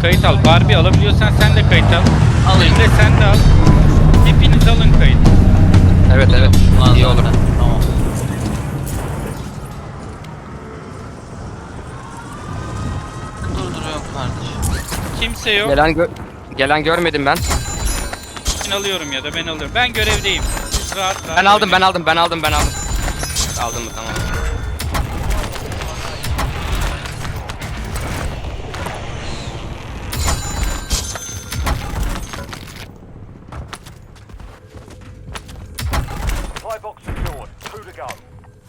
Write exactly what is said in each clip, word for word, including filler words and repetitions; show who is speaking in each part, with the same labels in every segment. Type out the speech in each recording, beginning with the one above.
Speaker 1: kayıt al. Barbie alabiliyorsan sen de kayıt al.
Speaker 2: Alayım.
Speaker 1: Emre sen de al. Hepiniz alın kayıt.
Speaker 3: Evet evet.
Speaker 2: Ulan
Speaker 3: İyi
Speaker 2: zaten.
Speaker 3: olur.
Speaker 2: Tamam. Durduruyorum kardeşim.
Speaker 1: Kimse yok.
Speaker 3: Gelen gö gelen görmedim ben.
Speaker 1: Ben alıyorum ya da ben alıyorum. Ben görevdeyim. Siz rahat rahat
Speaker 3: Ben aldım ben
Speaker 1: oynayın.
Speaker 3: aldım ben aldım ben aldım. Aldım mı tamam.
Speaker 4: Supply box secured. Two to go.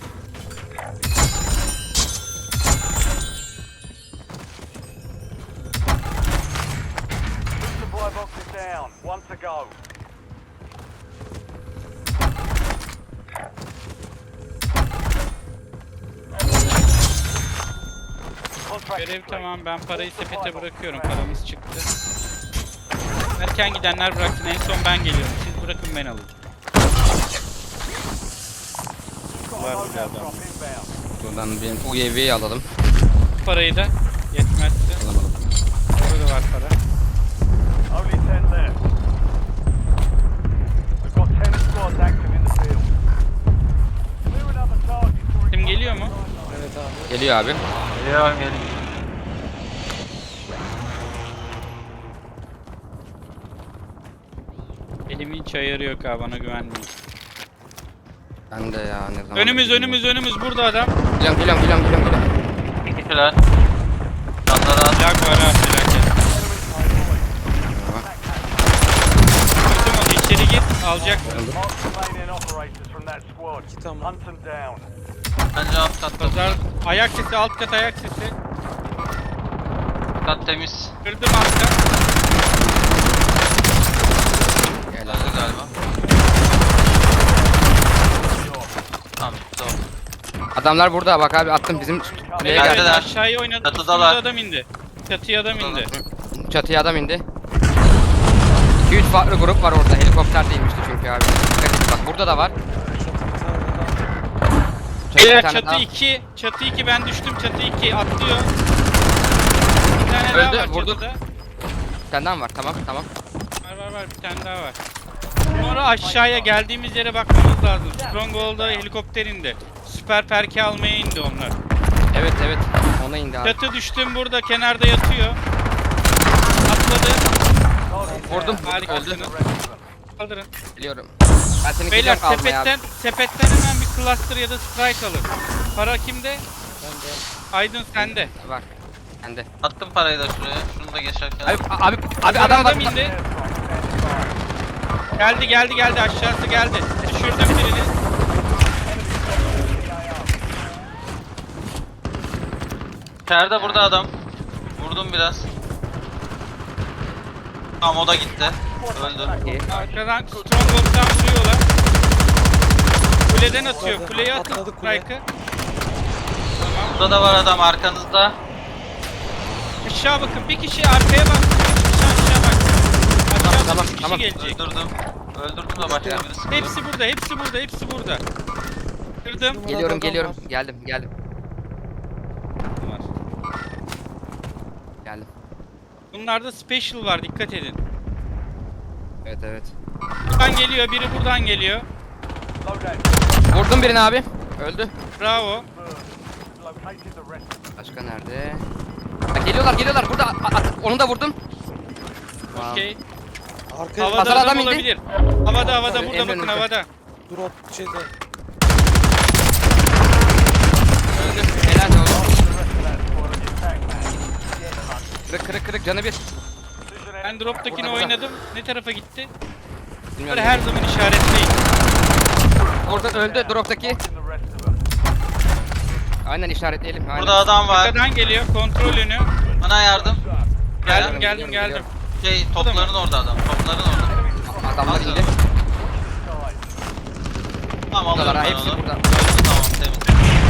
Speaker 4: Two supply boxes down. One to go. Contract
Speaker 1: Görev
Speaker 4: complete.
Speaker 1: tamam, ben parayı sepete bırakıyorum. Paramız çıktı. Erken gidenler bıraksın, en son ben geliyorum. Siz bırakın, ben alayım.
Speaker 4: Got
Speaker 1: Var
Speaker 4: a
Speaker 1: bir
Speaker 4: loadout
Speaker 1: adam.
Speaker 4: drop inbound.
Speaker 3: Buradan bir U A V'yi alalım.
Speaker 1: Parayı da yetmezse.
Speaker 3: Alamadım.
Speaker 1: Burada var para.
Speaker 4: Only ten left. We've got ten squads active in the field. Clear another target to
Speaker 1: Kim geliyor mu?
Speaker 3: Geliyor abi.
Speaker 2: Geliyor geliyor.
Speaker 1: Elimin hiç ayarı yok ha, bana güvenmeyin.
Speaker 3: Ben de ya ne zaman.
Speaker 1: Önümüz önümüz önümüz, burada adam.
Speaker 3: Geliyorum geliyorum geliyorum geliyorum. geliyorum.
Speaker 2: Teşekkürler. Canlara
Speaker 1: Lag var ha, felaket. Gördüm onu, içeri git, alacaksın.
Speaker 4: mark the remaining operators from that squad. Hunt them down.
Speaker 2: bence alt katta.
Speaker 1: Pazar, ayak sesi, alt kat ayak sesi.
Speaker 2: Kat temiz.
Speaker 1: Kırdım alt kat.
Speaker 3: Gel abi.
Speaker 2: Öldü galiba. Tamam tamam.
Speaker 3: Adamlar burada bak abi attım bizim kuleye
Speaker 2: Geldiler.
Speaker 3: geldi.
Speaker 1: Evet, aşağıya oynadım.
Speaker 2: Çatıdalar.
Speaker 1: Üstümüze adam indi. Çatıya adam indi.
Speaker 3: Çatıya adam indi. iki üç farklı grup var orada. Helikopter değilmişti çünkü abi. Dikkat edin bak burada da var. Çatı bir
Speaker 1: Beyler
Speaker 3: tane
Speaker 1: çatı
Speaker 3: daha.
Speaker 1: iki, çatı iki, ben düştüm, çatı iki atlıyor. Bir tane daha
Speaker 3: Öldü,
Speaker 1: var
Speaker 3: vurduk.
Speaker 1: çatıda.
Speaker 3: Senden var tamam tamam.
Speaker 1: Var var var, bir tane daha var. Sonra aşağıya geldiğimiz yere bakmamız lazım. Stronghold'da helikopter indi. Süper perki almaya indi onlar.
Speaker 3: Evet evet ona indi abi.
Speaker 1: Çatı düştüm, burada kenarda yatıyor. Atladı.
Speaker 3: Vurdum.
Speaker 1: Harikasınız.
Speaker 3: Öldü.
Speaker 1: Kaldırın.
Speaker 3: Biliyorum. Ben seni
Speaker 1: Beyler
Speaker 3: gidiyorum almaya
Speaker 1: sepetten,
Speaker 3: abi.
Speaker 1: sepetten hemen bir cluster ya da strike alın. Para kimde? Bende. Aydın sende.
Speaker 3: Bak. Bende.
Speaker 2: Attım parayı da şuraya. Şunu da geçerken.
Speaker 3: Abi abi abi
Speaker 1: Adam,
Speaker 3: adam var.
Speaker 1: adam indi. Geldi geldi geldi, aşağısı geldi. Düşürdüm birini.
Speaker 2: İçeride burada adam. Vurdum biraz. Tamam o da gitti. Öldü.
Speaker 3: İyi.
Speaker 1: Arkadan Stronghold'dan vuruyorlar. Kuleden atıyor. Kuleye atın strike'ı. Tamam.
Speaker 2: Burada da var adam arkanızda.
Speaker 1: Aşağı bakın. Bir kişi arkaya bak. Bir kişi aşağı bak. Aşağı
Speaker 3: tamam,
Speaker 1: bir kişi
Speaker 3: tamam.
Speaker 1: gelecek.
Speaker 2: Öldürdüm. Öldürdüm de başka birisi. sıkıyor.
Speaker 1: Hepsi burada, hepsi burada, hepsi burada. Kırdım.
Speaker 3: Geliyorum geliyorum. Geldim geldim.
Speaker 1: Var.
Speaker 3: Geldim.
Speaker 1: Bunlarda special var, dikkat edin.
Speaker 3: Evet evet.
Speaker 1: Buradan geliyor, biri buradan geliyor.
Speaker 4: Loadout
Speaker 3: Vurdum birini abi. Öldü.
Speaker 1: Bravo.
Speaker 4: burned. Located the rest of them.
Speaker 3: Başka nerede? Ha, geliyorlar geliyorlar burada. A- a- onu da vurdum. Tamam.
Speaker 1: Okey.
Speaker 5: Arkaya
Speaker 1: Havada
Speaker 3: Pazar
Speaker 1: adam
Speaker 3: adam indi.
Speaker 1: olabilir. Havada havada,
Speaker 3: Tabii,
Speaker 1: burada
Speaker 3: en
Speaker 1: bakın
Speaker 3: önünde.
Speaker 1: havada.
Speaker 5: drop şeyde.
Speaker 3: Öldü. Helal olsun.
Speaker 4: The rest of that squad on your tag map.
Speaker 3: Kırık kırık kırık canı bir.
Speaker 4: Precision
Speaker 1: Ben
Speaker 4: air
Speaker 1: drop'takini
Speaker 3: Burada, burada.
Speaker 1: oynadım. Ne tarafa gitti?
Speaker 3: Bilmiyorum.
Speaker 1: Bunları her zaman işaretleyin.
Speaker 3: Orada öldü drop'taki.
Speaker 4: in the rest of them.
Speaker 3: Aynen işaretleyelim. Aynen.
Speaker 2: Burada adam var.
Speaker 1: Arkadan geliyor, kontrol önü.
Speaker 2: Bana yardım.
Speaker 1: Geldim
Speaker 3: Geliyorum,
Speaker 1: geldim
Speaker 3: geliyorum,
Speaker 1: geldim.
Speaker 2: Şey topların orada adam. Topların orada.
Speaker 3: Adamlar indi.
Speaker 2: Tamam
Speaker 3: Buradalar
Speaker 2: alıyorum
Speaker 3: ha
Speaker 2: ben
Speaker 3: hepsi
Speaker 2: onu.
Speaker 3: burada.
Speaker 2: Tamam temiz.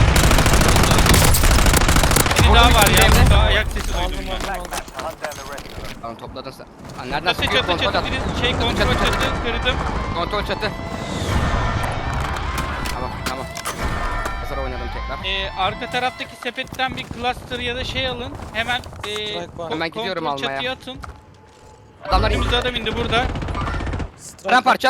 Speaker 1: Biri
Speaker 3: Burada
Speaker 1: daha
Speaker 3: bir
Speaker 1: var
Speaker 3: kişi
Speaker 1: ya,
Speaker 3: evde.
Speaker 1: burada ayak sesi duydum ben.
Speaker 4: Tag map to hunt down the rest of them.
Speaker 3: Tamam topladın sen. Ha, nereden
Speaker 1: Çatı
Speaker 3: sıkıyor?
Speaker 1: çatı
Speaker 3: Kontrol
Speaker 1: çatı,
Speaker 3: at.
Speaker 1: biri şey kontrol çatı, kırdım.
Speaker 3: Kontrol çatı. Tamam tamam. Hazır oynadım tekrar.
Speaker 1: Ee, arka taraftaki sepetten bir cluster ya da şey alın. Hemen ee,
Speaker 5: Strike var.
Speaker 3: Hemen gidiyorum
Speaker 1: kontrol
Speaker 3: almaya.
Speaker 1: çatıya atın.
Speaker 3: Adamlar indi.
Speaker 1: Önümüzde adam indi burada.
Speaker 5: Strike
Speaker 3: Ben parça.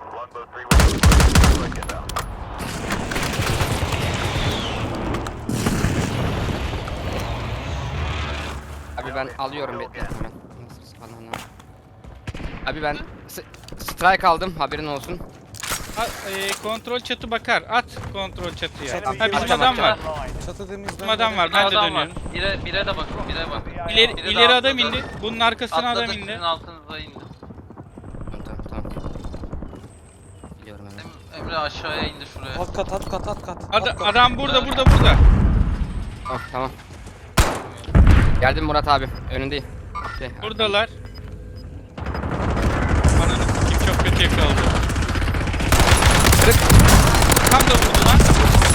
Speaker 3: Abi ben alıyorum bekle hemen. Nasıl falan lan. Abi ben s- strike aldım haberin olsun.
Speaker 1: Ha, ee, kontrol çatı bakar. At kontrol çatıya.
Speaker 5: Çatı-
Speaker 1: Ha bizim
Speaker 3: Atacağım,
Speaker 1: adam var.
Speaker 3: atacağım.
Speaker 5: Çatı temizden.
Speaker 1: Bizim adam var.
Speaker 2: Bir
Speaker 1: Ben de
Speaker 2: adam var.
Speaker 1: dönüyorum.
Speaker 2: Bire, bire de bakın, bire bak.
Speaker 1: İleri,
Speaker 2: Biri de
Speaker 1: ileri adam
Speaker 2: atladı.
Speaker 1: indi. Bunun arkasına
Speaker 2: Atladı,
Speaker 1: adam
Speaker 2: sizin
Speaker 1: indi.
Speaker 2: altınıza indi.
Speaker 3: Tamam tamam tamam. Biliyorum hemen.
Speaker 2: Em- Emre aşağıya indi şuraya.
Speaker 5: Alt kat alt kat alt kat.
Speaker 1: Ada-
Speaker 5: alt kat.
Speaker 1: adam burada burada burada.
Speaker 3: Tamam tamam. Geldim Murat abi önündeyim. Şey,
Speaker 1: Buradalar. Ananı sikeyim çok kötü yakaladı.
Speaker 3: Kırık.
Speaker 1: Tam da vurdu lan.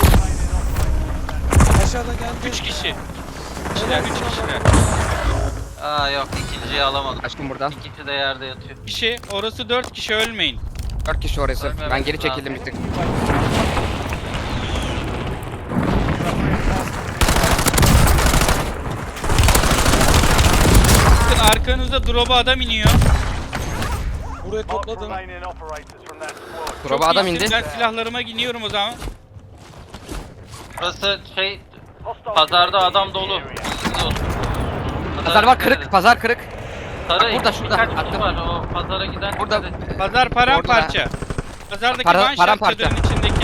Speaker 5: Aşağıda geldi.
Speaker 1: üç kişi. Kişiler üç kişiler.
Speaker 2: Aa yok, ikinciyi alamadım.
Speaker 3: Aşkım burada.
Speaker 2: İkisi de yerde yatıyor.
Speaker 1: Kişi orası dört kişi ölmeyin.
Speaker 3: Dört kişi orası.
Speaker 2: Ölmemek
Speaker 3: Ben geri
Speaker 2: lazım.
Speaker 3: çekildim bir tık.
Speaker 1: Bakın arkanızda drop'a adam iniyor.
Speaker 5: Buraya
Speaker 4: Mark
Speaker 5: topladım.
Speaker 4: remaining operators from that squad.
Speaker 3: Drop'a adam
Speaker 1: iyisiniz.
Speaker 3: indi.
Speaker 1: Ben silahlarıma iniyorum o zaman.
Speaker 2: Burası şey,
Speaker 4: Hostile
Speaker 2: pazarda
Speaker 4: U A V
Speaker 2: adam
Speaker 4: in the
Speaker 2: dolu.
Speaker 4: area.
Speaker 2: Bilginiz olsun.
Speaker 3: Pazar var kırık. Pazar kırık.
Speaker 2: Sarı,
Speaker 3: Bak burada, şurada.
Speaker 2: birkaç kişi
Speaker 3: Attım.
Speaker 2: var, o pazara giden.
Speaker 3: Burada.
Speaker 2: dikkat et.
Speaker 1: Pazar paramparça. Pazardaki
Speaker 3: Para-
Speaker 1: manşet
Speaker 3: paramparça.
Speaker 1: çadırın içindeki.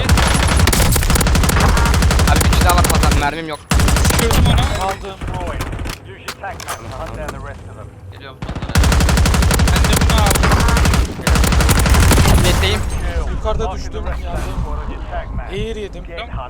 Speaker 3: Abi bir kişi daha var pazar. Mermim yok.
Speaker 1: Düşürdüm onu.
Speaker 5: Aldım.
Speaker 4: Destroyed. Use your tac map to hunt down the rest of them.
Speaker 2: Geliyorum pazara.
Speaker 1: Ben de bunu aldım.
Speaker 3: Netteyim.
Speaker 4: Kill.
Speaker 5: Yukarıda
Speaker 4: Marking the
Speaker 5: düştüm,
Speaker 4: rest of that
Speaker 5: yardım.
Speaker 4: squad on your tac map.
Speaker 5: Air yedim.
Speaker 4: Get hunt.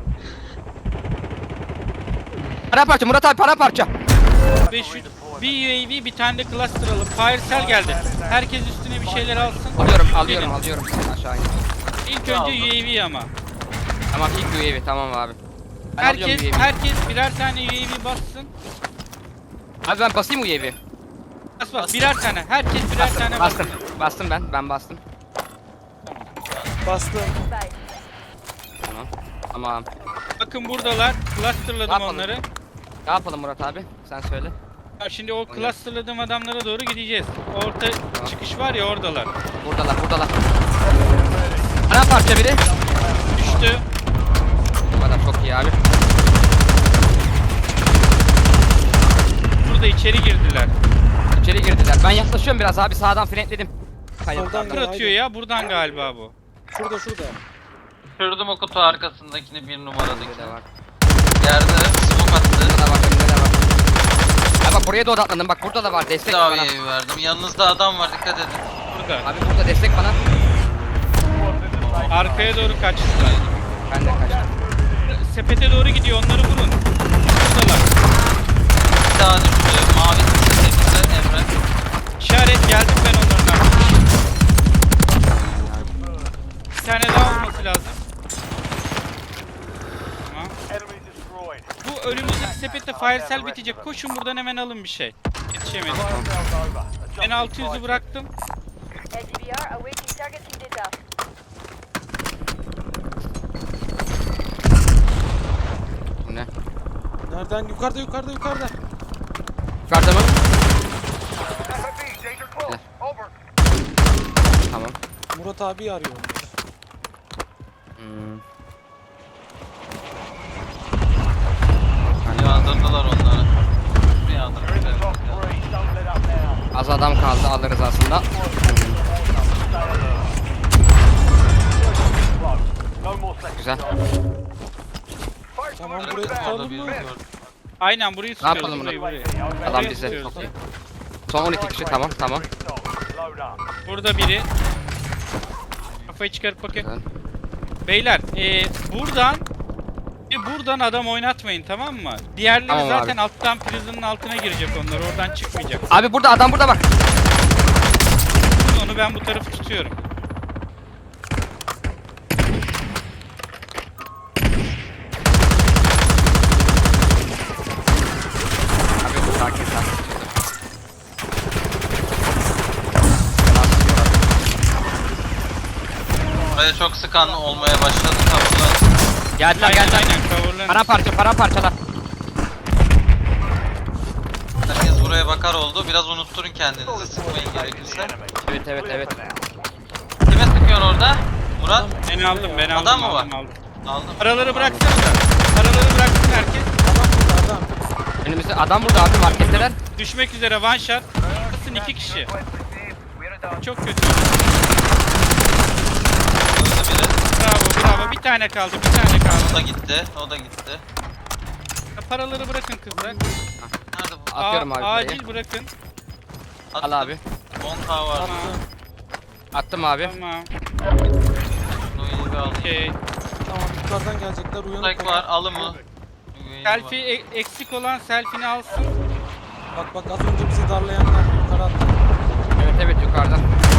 Speaker 3: Paramparça Murat abi paramparça.
Speaker 1: beş yüz bir U A V bir tane de cluster alıp fire cell geldi. Herkes üstüne bir şeyler alsın.
Speaker 3: Alıyorum alıyorum alıyorum. Aşağı in.
Speaker 1: İlk önce U A V ama.
Speaker 3: Tamam ilk U A V tamam abi. Ben alıyorum
Speaker 1: Herkes
Speaker 3: U A V.
Speaker 1: herkes birer tane U A V bassın.
Speaker 3: Abi ben basayım U A V.
Speaker 1: Bas bas birer tane. Herkes birer tane
Speaker 3: Bastım.
Speaker 1: bassın.
Speaker 3: Bastım ben. Ben bastım.
Speaker 5: Bastım.
Speaker 3: Tamam. Tamam.
Speaker 1: Bakın buradalar. Clusterladım
Speaker 3: Yapalım.
Speaker 1: onları.
Speaker 3: Ne yapalım Murat abi? Sen söyle.
Speaker 1: Ha, Şimdi o clusterladığım adamlara doğru gideceğiz. Orta çıkış var ya oradalar.
Speaker 3: Buradalar buradalar. Paramparça biri.
Speaker 1: Düştü.
Speaker 3: Bu kadar çok iyi abi.
Speaker 1: Burada içeri girdiler.
Speaker 3: İçeri girdiler. Ben yaklaşıyorum biraz abi sağdan frenledim.
Speaker 5: Soldan
Speaker 3: Kayıplardan.
Speaker 1: Kır atıyor ya buradan galiba bu.
Speaker 5: Şurada şurada.
Speaker 2: Kırdım o kutu arkasındakini, bir
Speaker 3: Önünde
Speaker 2: numaradaki.
Speaker 3: de var.
Speaker 2: Yerde smoke attı.
Speaker 3: Önünde de var. Önünde de var. Abi bak buraya da odaklandım. Bak burada da var.
Speaker 2: Bir
Speaker 3: Destek
Speaker 2: daha
Speaker 3: bana.
Speaker 2: üyeyi verdim. Yanınızda adam var, dikkat edin.
Speaker 1: Burada.
Speaker 3: Abi burada destek bana.
Speaker 1: Arkaya doğru kaçtılar.
Speaker 3: Ben de kaçtım.
Speaker 1: Sepete doğru gidiyor onları vurun. Buradalar.
Speaker 2: Bir daha düştü. Mavi temizle Emre.
Speaker 1: İşaret geldim ben onların arkasına. Bir tane daha olması lazım. Tamam.
Speaker 4: Enemy destroyed.
Speaker 1: Bu önümüzdeki sepette fire cell bitecek. Koşun buradan hemen alın bir şey. Yetişemedim.
Speaker 4: Fire sales over.
Speaker 1: Ben
Speaker 4: Adjusting
Speaker 1: altı yüzü
Speaker 4: prices.
Speaker 1: bıraktım.
Speaker 6: L T B R awaiting targeting data.
Speaker 3: Bu ne?
Speaker 5: Nereden? Yukarıda yukarıda yukarıda.
Speaker 3: Yukarıda mı?
Speaker 4: F F B, danger close. Over.
Speaker 3: Tamam.
Speaker 5: Murat abi arıyor.
Speaker 3: Hmm.
Speaker 2: Yandırdılar onları. Bir
Speaker 4: You're in the
Speaker 2: yandırdılar.
Speaker 4: top three. Don't let up now.
Speaker 3: Az adam kaldı alırız aslında.
Speaker 4: No more seconds.
Speaker 3: Güzel.
Speaker 5: Tamam
Speaker 2: Kırık
Speaker 5: burayı
Speaker 2: orada
Speaker 5: tutalım
Speaker 2: bir
Speaker 5: mı?
Speaker 2: gördüm.
Speaker 1: Aynen burayı tutuyoruz.
Speaker 3: yapalım
Speaker 1: burayı,
Speaker 3: bunu?
Speaker 1: burayı.
Speaker 3: Adam
Speaker 1: Burayı
Speaker 3: bize.
Speaker 1: tutuyoruz.
Speaker 3: Çok iyi. Son on iki kişi tamam tamam.
Speaker 4: Load up.
Speaker 1: Burada biri. Kafayı çıkarıp bakın.
Speaker 3: Güzel.
Speaker 1: Beyler ee, buradan e, buradan adam oynatmayın tamam mı? Diğerleri
Speaker 3: Tamam
Speaker 1: zaten
Speaker 3: abi.
Speaker 1: alttan prison'ın altına girecek onlar. Oradan çıkmayacak.
Speaker 3: Abi burada adam burada bak.
Speaker 1: Onu ben bu tarafı tutuyorum.
Speaker 3: Abi sakin sakin.
Speaker 2: Buraya çok sıkan olmaya başladı. Kapılar.
Speaker 3: Geldiler
Speaker 1: Aynen
Speaker 3: geldiler.
Speaker 1: aynen coverlanın.
Speaker 3: Paramparça paramparçalar.
Speaker 2: Herkes buraya bakar oldu. Biraz unutturun kendinizi. Sıkmayın gerekirse.
Speaker 3: Evet evet evet.
Speaker 2: Kime sıkıyorsun orada? Murat?
Speaker 1: Ben aldım ben aldım.
Speaker 2: Adam mı
Speaker 1: aldım,
Speaker 2: var?
Speaker 1: aldım.
Speaker 2: Aldım.
Speaker 1: Paraları bıraksanıza. Paraları bıraksın herkes.
Speaker 5: Adam burada adam.
Speaker 3: Önümüzde adam burada abi marketteler.
Speaker 1: Düşmek üzere one shot. Basın iki kişi. Çok kötü.
Speaker 2: Öldü biri.
Speaker 1: Bravo bravo. Bir tane kaldı. Bir tane
Speaker 2: O
Speaker 1: kaldı.
Speaker 2: da gitti. O da gitti.
Speaker 1: Paraları bırakın kızlar.
Speaker 2: Nerede bu?
Speaker 3: Atıyorum
Speaker 1: A-
Speaker 3: abi buraya.
Speaker 1: acil bırakın.
Speaker 3: Al abi.
Speaker 2: on K var.
Speaker 1: Tamam.
Speaker 3: Attım abi.
Speaker 1: Tamam.
Speaker 2: Bunu iyi bir aldım.
Speaker 1: Okey.
Speaker 5: Tamam yukarıdan gelecekler uyanık.
Speaker 2: Strike var. Alın mı?
Speaker 1: Selfie e- eksik olan selfie'ni alsın.
Speaker 5: Bak bak az önce bizi darlayanlar yukarı attı.
Speaker 3: Evet evet yukarıdan.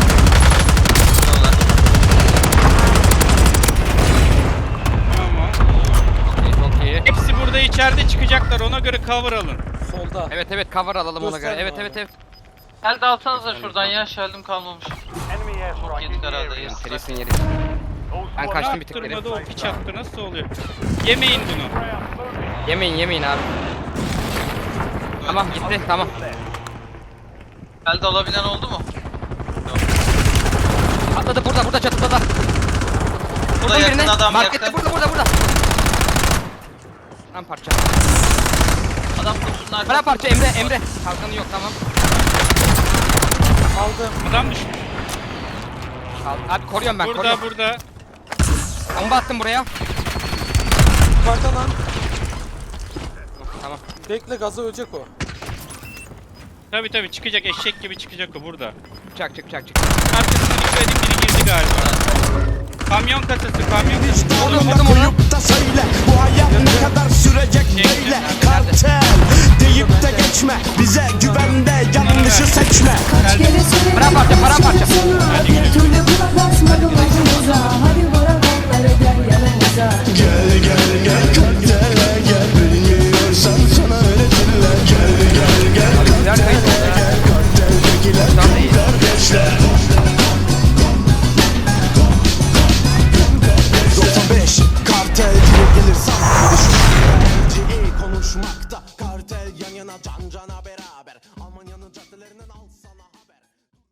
Speaker 1: Tamam.
Speaker 3: Okey çok iyi.
Speaker 1: Hepsi burada içeride çıkacaklar. Ona göre cover alın.
Speaker 5: Solda.
Speaker 3: Evet evet cover alalım ona göre.
Speaker 5: Gösterme
Speaker 3: Evet
Speaker 5: abi.
Speaker 3: evet evet.
Speaker 2: Elde alsanıza şuradan ya. Şeldim kalmamış.
Speaker 4: Enemy airstrike in
Speaker 2: Yedik
Speaker 4: the
Speaker 2: herhalde.
Speaker 4: area.
Speaker 2: Yeriz.
Speaker 3: Serisin yeri.
Speaker 4: All
Speaker 3: Ben
Speaker 4: squad
Speaker 3: kaçtım
Speaker 1: Ne
Speaker 3: bir tık geri.
Speaker 1: yaptırmadı o piç attı. Nasıl oluyor? Yemeyin bunu.
Speaker 4: ground. Moving.
Speaker 3: Yemeyin yemeyin abi. Tamam gitti tamam.
Speaker 2: Elde alabilen oldu mu?
Speaker 3: Atladı burada burada çatıda da.
Speaker 2: Burada
Speaker 3: Vurdum
Speaker 2: yakın
Speaker 3: birini.
Speaker 2: adam
Speaker 3: Markette
Speaker 2: yakın.
Speaker 3: burada burada burada. Param parça.
Speaker 2: Adam kutusunun
Speaker 3: Param
Speaker 2: arkasında.
Speaker 3: parça Emre Emre. Kalkanı yok tamam.
Speaker 5: Aldım.
Speaker 1: Adam düşmüş.
Speaker 3: Al- Abi koruyorum ben
Speaker 1: Burada
Speaker 3: koruyorum.
Speaker 1: burada.
Speaker 3: Bomba attım buraya.
Speaker 5: Yukarıda lan.
Speaker 3: Tamam.
Speaker 5: Bekle gaza ölecek o.
Speaker 1: Tabi tabi çıkacak. Eşek gibi çıkacak o burada.
Speaker 3: Çık çık çık çık.
Speaker 1: Arkasından dikkat edin. Biri girdi galiba. Kamyon kasası. Kamyon kasası.
Speaker 3: Vurdum vurdum onu.
Speaker 7: Koyup da söyle bu hayat ne kadar sürecek böyle kartel deyip de geçme bize güvende yanlışı seçme.
Speaker 8: Kaç kere söyledim
Speaker 3: Paramparça, paramparça.
Speaker 8: sana, bir türlü kulak asmadım lafımıza. Hadi bırak onları gel yanımıza.
Speaker 7: Gel gel gel kartele gel bilmiyorsan sana öğretirler. Gel gel gel
Speaker 3: Güzel kayıt oldu ya.
Speaker 7: gel karteldekiler
Speaker 3: Tam değil.
Speaker 7: kardeşler. doksan beş kartel diye gelir sanki düşün. iyi konuşmak